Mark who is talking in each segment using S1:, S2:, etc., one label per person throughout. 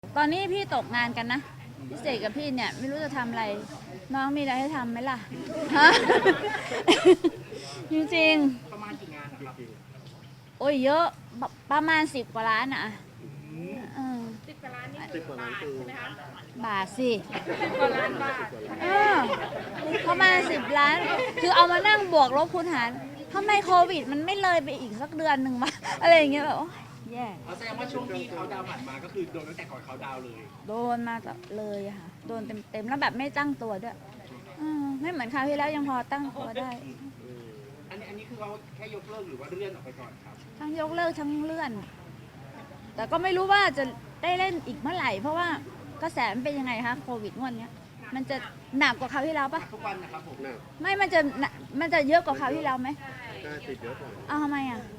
S1: ตอนนี้พี่ตกงานกันนะพี่เสกกับพี่เนี่ยไม่รู้จะทำอะไรน้องมีอะไรให้ทำไหมล่ะฮะ จริง
S2: ประมาณกี่งานนะครับ
S1: ๆโอ้ยเยอะประมาณ10 กว่าล้านอ่ะเออ
S3: 10 กว่าล้านนี่คือบาทใช่ไหมคะ
S1: บาทสิ
S3: 10 กว่าล้านบาท
S1: เออประมาณ10 ล้าน คือเอามานั่งบวกลบคูณหารทำไมโควิดมันไม่เลยไปอีกสักเดือนหนึ่งมาอะไรอย่างเงี้ยแบบโอ๊ยแย่
S2: แสดงว่าช่วงที่เขาดาวน์ผ่านมาก็คือโดนตั้งแต่ก่อนเขาดาวน์เลย
S1: โดนมาเลยอะค่ะโดนเต็มๆแล้วแบบไม่ตั้งตัวด้วยไม่เหมือนคราวที่แล้วยังพอตั้งตัวได้
S2: อันนี้คือเขาแค่ยกเลิกหรือว่าเลื่อนออกไปก่อนครับ
S1: ทั้งยกเลิกทั้งเลื่อน แต่ก็ไม่รู้ว่าจะได้เล่นอีกเมื่อไหร่เพราะว่ากระแสมันเป็นยังไงคะโควิดงวดเนี้ยมันจะหนักกว่าคราวที่แล้วปะ
S2: ทุกวันนะครับผม
S1: ไม่มันจะเยอะกว่าคราวที่แล้วไหม
S4: น่าติดเยอะกว่า
S1: เอาทำไมอ่ะ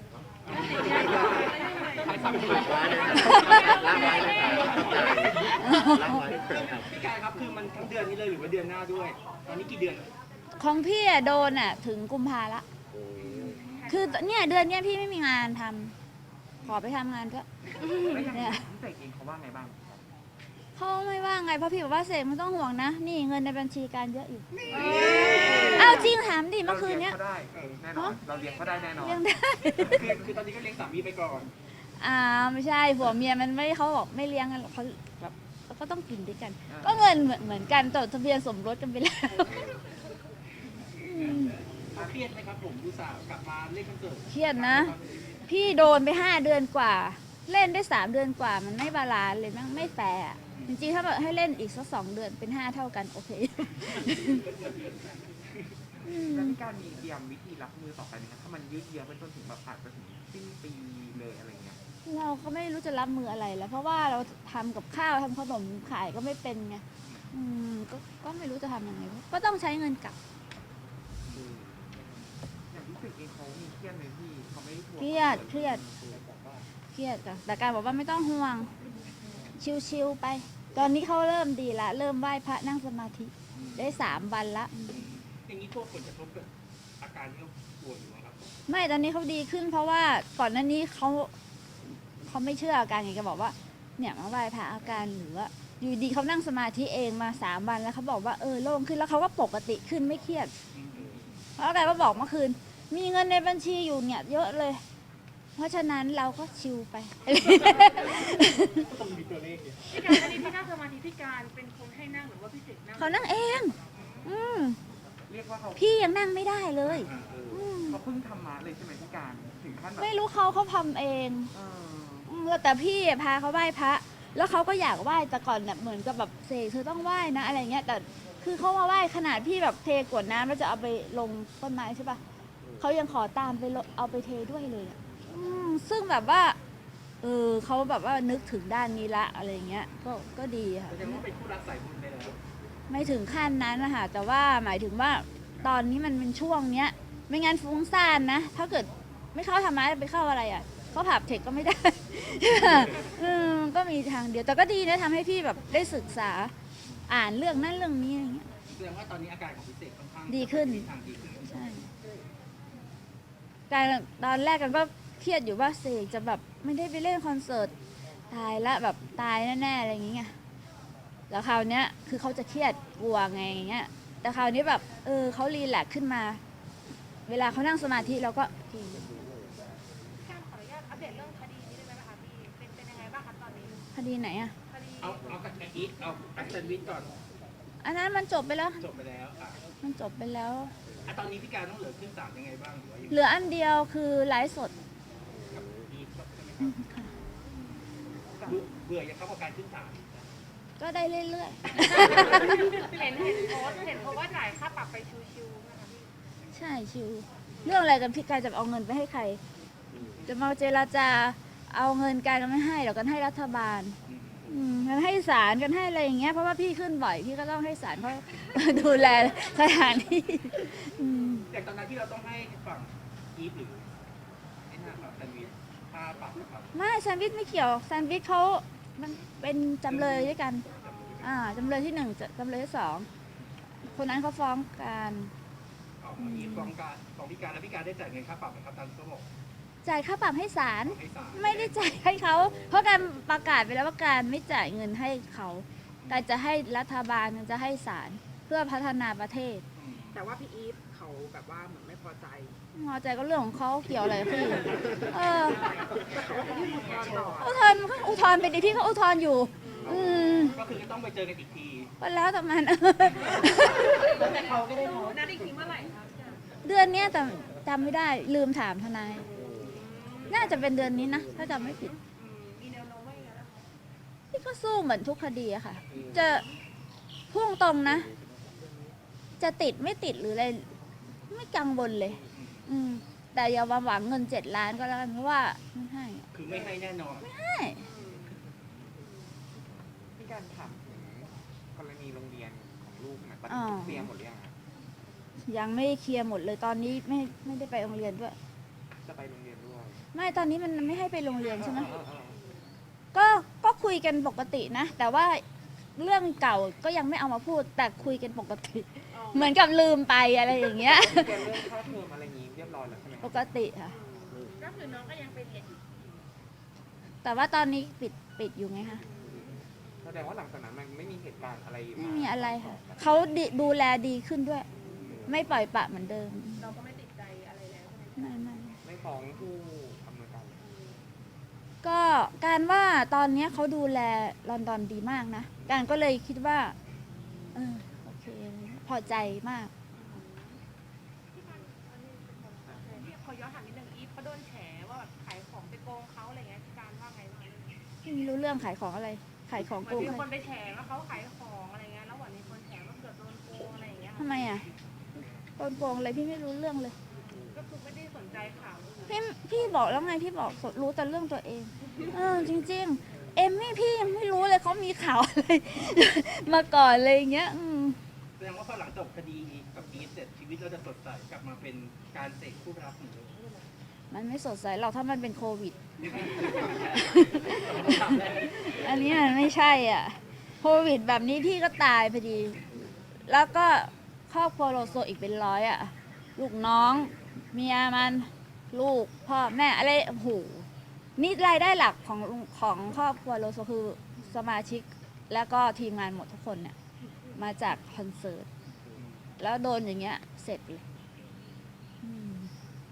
S2: ใครสั่งมา
S4: ล้างไว้เลยครับล้างไว้ครับ
S2: พี่กายครับคือมันทั้งเดือนนี้เลยหรือว่าเดือนหน้าด้วย ตอนนี้กี่เดือน
S1: ของพี่อะโดนอ่ะถึงกุมภาละ คือเนี่ยเดือนเนี้ยพี่ไม่มีงานทำขอไปทำงานเถอะเนี่ย
S2: พี่เสกเองเขาว่าไงบ้าง
S1: เขาไม่ว่าไงเพราะพี่บอกว่าเสกไม่ต้องห่วงนะ นี่เงินในบัญชีการเยอะอยู่อ้าวจริงถามดิเมื่อคืนเนี้ย
S2: เราได้แน่นอน เราเลี้ยงเขาได้แน่นอน
S1: เลี้ยงได้
S2: คือตอนนี้ก็เลี้ยงสามีไปก่อน
S1: ไม่ใช่ผัวเมียมันไม่เขาบอกไม่เลี้ยงกันหรอกเขาแบบก็ต้องกินด้วยกัน ก็เงินเหมือนกันจดทะเบียนสมรสกันไปแล้ว
S2: เครียดไหมครับผมดูสาวกลับมาเล่นคอนเสิร์ต
S1: เครียดนะ พี่โดนไป5 เดือนกว่า เล่นได้3 เดือนกว่า มันไม่บาลานซ์เลยมันไม่แฟร์อะจริงๆถ้าแบบให้เล่นอีกสัก2 เดือนเป็น5 เท่ากันโอเค
S5: แล้วมีการมีเตรียมวิธีรับมือต่อไปไหมครับถ้ามันยืดเยื้อไปจนถึงแบบอาจจะถึงสิ้นปีเลยอะไรเงี้ย
S1: เราก็ไม่รู้จะรับมืออะไรแล้ว เพราะว่าเราทำกับข้าวทำขนมขายก็ไม่เป็นไงก็ไม่รู้จะทำยังไงก็ต้องใช้เงินกลับ
S5: อย่างที่สึกเองเขามีเครียดไหมพี่เขาไม่ได้ทวง
S1: เครียดค่ะแต่การบอกว่าไม่ต้องห่วง ชิวๆไป ตอนนี้เขาเริ่มดีละ เริ่มไหว้พระนั่งสมาธิได้3 วันละ
S2: อย่างนี้พวกผลกระทบกับอาการที่เขาป่วยอยู่อะครับ
S1: ไม่ตอนนี้เขาดีขึ้นเพราะว่าก่อนหน้านี้เขาไม่เชื่ออาการไงก็บอกว่าเนี่ยมาไหว้พระอาการหรือว่าอยู่ดีเขานั่งสมาธิเองมา3 วันแล้วเขาบอกว่าโล่งขึ้นแล้วเขาก็ปกติขึ้นไม่เครียดเพราะอาการก็บอกเมื่อคืนมีเงินในบัญชีอยู่เนี่ยเยอะเลย เพราะฉะนั้นเราก็ชิลไป
S2: ต้องมีตัวเลขเนี่ย
S3: พี่การอันนี้ที่นั่งสมาธิพี่การเป็นคนให้นั่งหรือว่าพี่เสกนั่ง
S1: เขานั่งเองม
S5: เรียกว่าเขา
S1: พี่ยังนั่งไม่ได้เลยม
S5: เขาเพิ่งทำมาเลยใช่ไหมพี่การถึงขั้นแบบ
S1: ไม่รู้เขาทำเอง
S5: เออ
S1: แล้วแต่พี่พาเขาไหว้พระ แล้วเขาก็อยากไหว้แต่ก่อนเนี่ยเหมือนกับแบบเสกเธอต้องไหว้นะอะไรเงี้ยแต่คือเขามาไหว้ขนาดพี่แบบเทกรวดน้ำแล้วจะเอาไปลงต้นไม้ใช่ปะเขายังขอตามไปเอาไปเทด้วยเลยอะซึ่งแบบว่าเขาแบบว่านึกถึงด้านนี้ละอะไรเงี้ยก็ดีค่ะ
S2: แสดงว่าเป็นผู้รักสายบุญไปแล้ว
S1: ไม่ถึงขั้นนั้นนะคะแต่ว่าหมายถึงว่าตอนนี้มันเป็นช่วงเนี้ย ไม่งั้นฟุ้งซ่านนะ ถ้าเกิดไม่เข้าธรรมะไปเข้าอะไรอ่ะเข้าผับเทคก็ไม่ได้ ก็มีทางเดียวแต่ก็ดีนะทำให้พี่แบบได้ศึกษาอ่านเรื่องนั้นเรื่องนี้อะไรเงี้ย
S2: แสดงว่าตอนนี้อาการของพี่เสกค่อนข้าง
S1: ดีขึ้น
S2: ทางดีขึ้น
S1: ใช่การตอนแรกกันก็เครียดอยู่ว่าเสกจะแบบไม่ได้ไปเล่นคอนเสิร์ตตายละแบบตายแน่ๆอะไรอย่างเงี้ยแล้วคราวเนี้ยคือเขาจะเครียดกลัวไงอย่างเงี้ยแต่คราวนี้แบบเขารีแลกซ์ขึ้นมา เวลาเขานั่งสมาธิเราก็ดี
S3: พี่การขออนุญาตอัปเดตเรื่องคดีนี้ได้ไหมคะพี่เป็นยังไงบ้างคะตอนนี้
S1: คดีไหนอ่ะ
S3: คดี
S2: เอากับอีทเอาอัสเซนวิทก่อน
S1: อันนั้นมันจบไปแล้ว
S2: จบไปแล้ว
S1: มันจบไปแล้ว
S2: ตอนนี้พี่การต้องเหลือขึ้นศาลยังไงบ้างหรือว่ายัง
S1: เหลืออันเดียวคือไลฟ์สด
S2: กับอีทใช่ไหมครับเบื่อยังเข้ากับการขึ้นศาล
S1: ก็ได้เรื่อย
S3: เห็นโพสต์ว่าจ่ายค่าปรับไปชิวๆนะคะพี่
S1: ๆ ใช่ชิวเรื่องอะไรกันพี่กายจะเอาเงินไปให้ใคร จะมาเจราจาเอาเงินการกันไม่ให้เดี๋ยวกันให้รัฐบาลกันให้ศาลกันให้อะไรอย่างเงี้ยเพราะว่าพี่ขึ้นบ่อยพี่ก็ต้องให้ศาลเขา ดูแลสถานที่
S2: แต่ตอนนั้นที่เราต้องให้ฝั่งอีฟหรือไอ้นั่นครับแซนด์วิชค่าปรับนะครับ
S1: ไม่แซนด์วิชไม่เกี่ยวแซนด์วิชเขามันเป็นจำเลยด้วยกันจำเลยที่1จำเลยที่2คนนั้นเขาฟ้องกัน
S2: เอาอีฟฟ้องพี่การแล้วพี่การได้จ่ายเงินค่าปรับไหมครับตามที่เขาบอก
S1: จ่ายค่าปรับให้ศาล
S2: ให้ศาล
S1: ไม่ได้จ่ายให้เขา เพราะการประกาศไปแล้วว่าการไม่จ่ายเงินให้เขาการจะให้รัฐบาลจะให้ศาลเพื่อพัฒนาประเทศ
S5: แต่ว่าพี่อีฟเขาแบบว่าเหมือนไม่พอใจ
S1: พอใจก็เรื่องของเขาเกี่ยวอะไรกับพี่เออ
S5: ยื่นอุทธรณ์ต่อ
S1: อุทธรณ์ก็อุทธรณ์ไปดิพี่เขาอุทธรณ์อยู่ อืม
S2: ก็คือต้องไปเจอกันอีกที
S1: ก็แล้วแต่มัน
S2: แต่เขาก็ได้โพสต์
S3: นัดอีกทีเมื่อไหร่คะ
S1: เดือนเนี้ยแต่จำไม่ได้ลืมถามทนาย น่าจะเป็นเดือนนี้นะ ถ้าจำไม่ผิด
S3: มีแนวโน้มว่าอย่างนั้นนะคะ
S1: พี่ก็สู้เหมือนทุกคดีอะค่ะ จะพุ่งตรงนะ จะติดไม่ติดหรืออะไร ไม่กังวลเลย อืม แต่อย่ามาหวังเงิน7 ล้านก็แล้วกันเพราะว่าไม่ให้อะ
S2: คือไม่ให้แน่นอน
S1: ไม่ให้
S5: พี่การถามถึงกรณีโรงเรียนของลูกหน่อยตอนนี้เคลียร์หมดหรือยังครับ
S1: ยังไม่เคลียร์หมดเลยตอนนี้ไม่ได้ไปโรงเรียนด้วย
S5: จะไปโรงเรียนด้วย
S1: ไม่ตอนนี้มันไม่ให้ไปโรงเรียนใช่ไหม
S5: เออ
S1: ก็คุยกันปกตินะ แต่ว่าเรื่องเก่าก็ยังไม่เอามาพูด แต่คุยกันปกติ เหมือนกับลืมไปอะไรอย่างเงี้ย
S5: เรียนเรื่องค่าเทอมอะไรอย่างงี้เรียบร้อยแล้วใช่ไหม
S1: ปกติค่ะ
S3: ก็คือน้องก็ยังไปเรียนอยู่
S1: แต่ว่าตอนนี้ปิดอยู่ไงคะ
S5: แสดงว่าหลังจากนั้นมันไม่มีเหตุการณ์อะไร
S1: ไม่มีอะไรค่ะเขาดูแลดีขึ้นด้วย ไม่ปล่อยปละเหมือนเดิม
S3: เราก็ไม่ติดใจอะไรแล้วใช่ไหม
S1: ไม่
S5: ไม่ฟ้องผู้อำนวยการ
S1: ก็การว่าตอนเนี้ยเขาดูแลลอนดอนดีมากนะ การก็เลยคิดว่าโอเค พอใจมาก
S3: ขอย้อนถามนิดนึงอีฟเขาโดนแฉว่าแบบขายของไปโกงเขาอะไรเงี้ยพี่การว่าไงบ้าง
S1: ไม่รู้เรื่องขายของอะไร ขายของ
S3: เหมื
S1: โก
S3: อน
S1: ง
S3: มี
S1: ใคร
S3: คนไปแฉว่าเขาขายของอะไรเงี้ยแล้วเหมือนมีคนแฉว่าเกิดโดนโกงอะไรอย่างเงี้ย
S1: ทำไมอ่ะโกงอะไรพี่ไม่รู้เรื่องเลย
S3: ก็คือไม่ได้สนใจข่าวเลย
S1: พี่บอกแล้วไงพี่บอกรู้แต่เรื่องตัวเองจริงๆ เอมมี่พี่ยังไม่รู้เลยเขามีข่าวอะไร มาก่อนเลยอย่างเงี้ย
S2: แสดงว่าพอหลังจบคดีกับอีฟเสร็จชีวิตเราจะสดใสกลับมาเป็นการเสกผู้รับเหมือนเดิม
S1: มันไม่สดใสหรอกถ้ามันเป็นโควิด อันนี้มันไม่ใช่อ่ะ โควิดแบบนี้พี่ก็ตายพอดี แล้วก็ครอบครัวโลโซอีกเป็นร้อยอ่ะ ลูกน้อง เมียมัน ลูก พ่อแม่อะไรโอ้โหนี่รายได้หลักของครอบครัวโลโซคือสมาชิก แล้วก็ทีมงานหมดทุกคนเนี่ย มาจากคอนเสิร์ต แล้วโดนอย่างเงี้ยเสร็จเลย